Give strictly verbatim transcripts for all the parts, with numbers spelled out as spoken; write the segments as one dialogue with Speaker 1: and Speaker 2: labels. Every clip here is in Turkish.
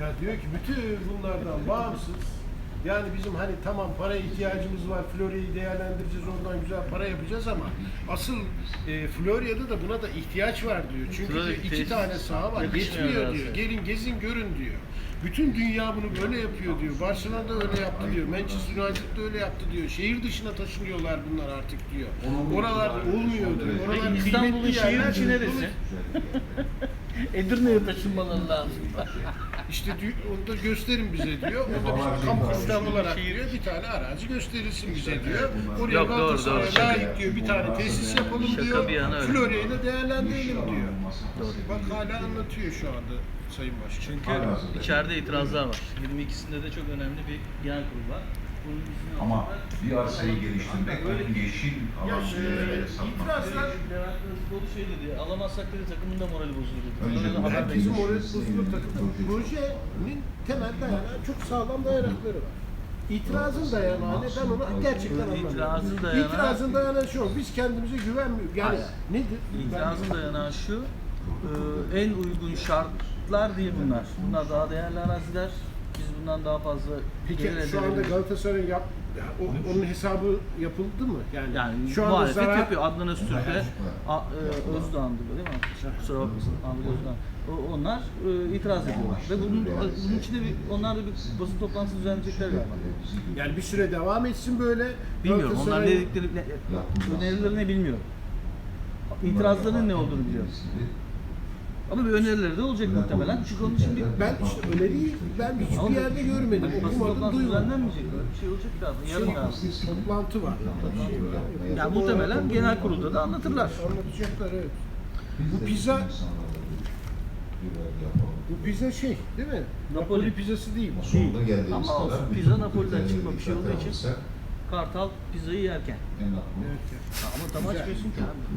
Speaker 1: Ya diyor ki bütün bunlardan bağımsız, yani bizim hani tamam paraya ihtiyacımız var, Florya'yı değerlendireceğiz, oradan güzel para yapacağız ama asıl e, Florya'da da buna da ihtiyaç var diyor. Çünkü
Speaker 2: Florya
Speaker 1: diyor, iki
Speaker 2: tesis
Speaker 1: tane saha var,
Speaker 2: yakışmıyor
Speaker 1: yetmiyor
Speaker 2: biraz
Speaker 1: diyor.
Speaker 2: ya.
Speaker 1: Gelin gezin görün diyor. Bütün dünya bunu böyle yapıyor diyor. Barcelona'da öyle yaptı diyor. Manchester United'da öyle yaptı diyor. Şehir dışına taşınıyorlar bunlar artık diyor. Oralarda olmuyor diyor. Oralar
Speaker 2: Peki İstanbul'un
Speaker 1: kıymetli
Speaker 2: şehir
Speaker 1: yerler.
Speaker 2: içi neresi? Edirne'ye taşınmaları lazım.
Speaker 1: İşte diyor, onu da gösterin bize diyor. Orada bir kamu kısıtlı olarak diyor, bir tane arazi gösterilsin bize diyor. Oraya
Speaker 2: Yok, doğru,
Speaker 1: Galatasaray'a
Speaker 2: doğru.
Speaker 1: layık diyor, bir tane tesis yapalım
Speaker 2: Şaka
Speaker 1: diyor.
Speaker 2: bir yana öyle.
Speaker 1: Florya'yı da değerlendirelim diyor.
Speaker 2: Doğru.
Speaker 1: Bak hala anlatıyor şu anda Sayın Başkan.
Speaker 2: Çünkü içeride itirazlar var. yirmi ikisinde de çok önemli bir genel kurul var. Bunun izni
Speaker 3: Ama
Speaker 2: alıyorlar.
Speaker 3: bir arsayı geliştirmek, onun yeşil alan
Speaker 1: Ya,
Speaker 3: yerlere
Speaker 1: e,
Speaker 3: satmak.
Speaker 1: itirazlar
Speaker 2: Levent Kılıçdaroğlu şey dedi, alamazsak dedi takımın da morali bozulur dedi.
Speaker 3: Önce
Speaker 2: Onlara da
Speaker 3: bu
Speaker 2: haber
Speaker 3: herkesin
Speaker 1: herkesin
Speaker 2: bekliyoruz.
Speaker 1: moral bozulur takımda. Projenin temel dayanağı çok sağlam dayanakları var. İtirazın dayanağı ne? Ben onu gerçekten anlamıyorum.
Speaker 2: İtirazın dayanağı-
Speaker 1: İtirazın dayanağı şu, biz kendimize güvenmiyoruz. Yani
Speaker 2: Hayır.
Speaker 1: nedir?
Speaker 2: İtirazın dayanağı şu, e, en uygun şartlar değil bunlar. Bunlar daha değerli araziler. Biz bundan daha fazla
Speaker 1: Peki
Speaker 2: gelir elde
Speaker 1: şu anda
Speaker 2: edebiliriz.
Speaker 1: Galatasaray'ın yap, o- onun hesabı yapıldı mı? Yani,
Speaker 2: Yani
Speaker 1: şu anda
Speaker 2: muhalefet
Speaker 1: zarar,
Speaker 2: yapıyor. Adnan Öztürk'e, A- e, Özdoğan'dı değil mi? Kusura bakmasın. Ahmet Özdoğan. O- Onlar e, itiraz ediyorlar. Ve bunun, bunun için de bir, onlar da bir basın toplantısı düzenleyecekler galiba.
Speaker 1: yani bir süre devam etsin böyle.
Speaker 2: Bilmiyorum. Onlar ne
Speaker 1: Galatasaray'ın-
Speaker 2: dedikleri, ne, önerileri ne bilmiyorum. İtirazların ne olduğunu biliyorum. Ama bir önerileri de olacak muhtemelen. Çünkü onun için bir...
Speaker 1: Ben işte öneriyi ben
Speaker 2: Ama
Speaker 1: hiçbir yerde görmedim,
Speaker 2: basın
Speaker 1: okumadım,
Speaker 2: toplantısı
Speaker 1: duymadım.
Speaker 2: düzenlenmeyecek. Böyle bir şey olacak galiba. Yarın galiba.
Speaker 1: Toplantı var. Şey var.
Speaker 2: Yani muhtemelen genel kurulda da anlatırlar.
Speaker 1: Anlatacaklar, evet. Bu pizza, bu pizza şey değil mi? Napoli,
Speaker 2: Napoli.
Speaker 1: pizzası değil.
Speaker 3: Sonunda geldiğimiz
Speaker 2: Ama
Speaker 3: kadar
Speaker 2: olsun,
Speaker 3: bir
Speaker 2: pizza Napoli'den çıkma bir şey olduğu için
Speaker 3: olursa
Speaker 2: Kartal pizzayı yerken.
Speaker 3: en aklı.
Speaker 1: Evet.
Speaker 2: Ha, ama tam
Speaker 1: Güzel.
Speaker 2: açmıyorsun ki abi.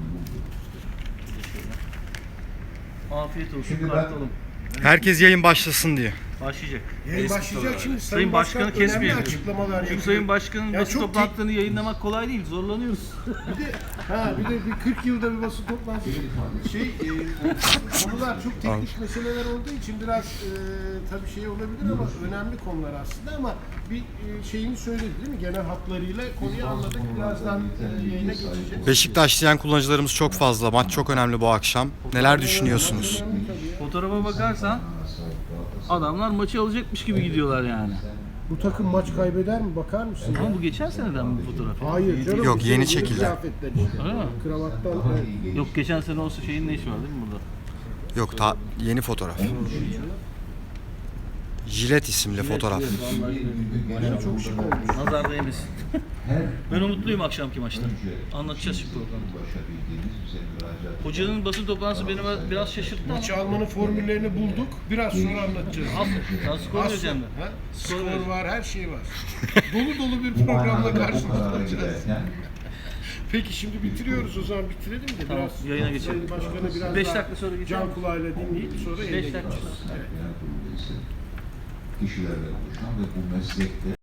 Speaker 2: Afiyet olsun
Speaker 3: Şimdi ben-
Speaker 2: Kartal'ım.
Speaker 4: Herkes yayın başlasın diye.
Speaker 2: Başlayacak.
Speaker 1: Yayın
Speaker 2: Eski
Speaker 1: başlayacak
Speaker 2: sorular.
Speaker 1: şimdi.
Speaker 2: Sayın Başkan'ı
Speaker 1: önemli
Speaker 2: kesmeyelim.
Speaker 1: açıklamalar
Speaker 2: Çünkü
Speaker 1: yapıyor.
Speaker 2: Sayın Başkan'ın
Speaker 1: Ya
Speaker 2: basın
Speaker 1: çok
Speaker 2: toplantılarını yayınlamak kolay değil. Zorlanıyoruz.
Speaker 1: Bir de ha bir de bir kırk yılda bir basın toplantısı şey e, konular çok teknik meseleler olduğu için biraz e, tabii şey olabilir ama önemli konular aslında ama bir e, şeyini söyledi değil mi? Genel hatlarıyla konuyu anladık. Birazdan e, yayına geçeceğiz.
Speaker 4: Beşiktaş diyen kullanıcılarımız çok fazla. Maç çok önemli bu akşam. Neler düşünüyorsunuz?
Speaker 1: Önemli tabii ya.
Speaker 2: Fotoğrafa bakarsan adamlar maçı alacakmış gibi gidiyorlar yani.
Speaker 1: Bu takım maç kaybeder mi? Bakar mısın?
Speaker 2: Ama bu geçen seneden mi bu fotoğraf?
Speaker 1: Hayır canım.
Speaker 4: Yok,
Speaker 1: bu
Speaker 4: yeni
Speaker 1: sene
Speaker 4: çekildi.
Speaker 1: kıyafetler işte.
Speaker 2: Öyle mi?
Speaker 1: Kravattan evet.
Speaker 2: Yok geçen sene olsa şeyin ne işi var değil mi burada?
Speaker 4: Yok, ta yeni fotoğraf. Jilet isimli fotoğraf.
Speaker 2: Vallahi
Speaker 1: Çok şık olmuş.
Speaker 2: nazar değmesin. Ben umutluyum akşamki maçtan. Anlatacağız şimdi programda. Hocanın basın toplantısı beni biraz şaşırttı ama.
Speaker 1: Maçı almanın formüllerini bulduk. Biraz sonra anlatacağız.
Speaker 2: Aferin. Sana skor
Speaker 1: Az
Speaker 2: vereceğim
Speaker 1: sonra,
Speaker 2: ben.
Speaker 1: ha?
Speaker 2: Skor
Speaker 1: Skor
Speaker 2: vereceğim.
Speaker 1: var, her şey var. dolu dolu bir programla karşınızda olacağız. Peki şimdi bitiriyoruz o zaman bitirelim de
Speaker 2: Tamam,
Speaker 1: biraz
Speaker 2: yayına geçelim.
Speaker 1: Sayın Başkan'ı biraz
Speaker 2: Beş
Speaker 1: daha
Speaker 2: dakika sonra geçelim.
Speaker 1: can kulağıyla dinleyip sonra
Speaker 2: Beş
Speaker 1: yayına
Speaker 2: dakika
Speaker 1: geçeceğiz.
Speaker 2: sonra.
Speaker 1: Evet.
Speaker 3: Kişilerle oluşan ve bu meslekte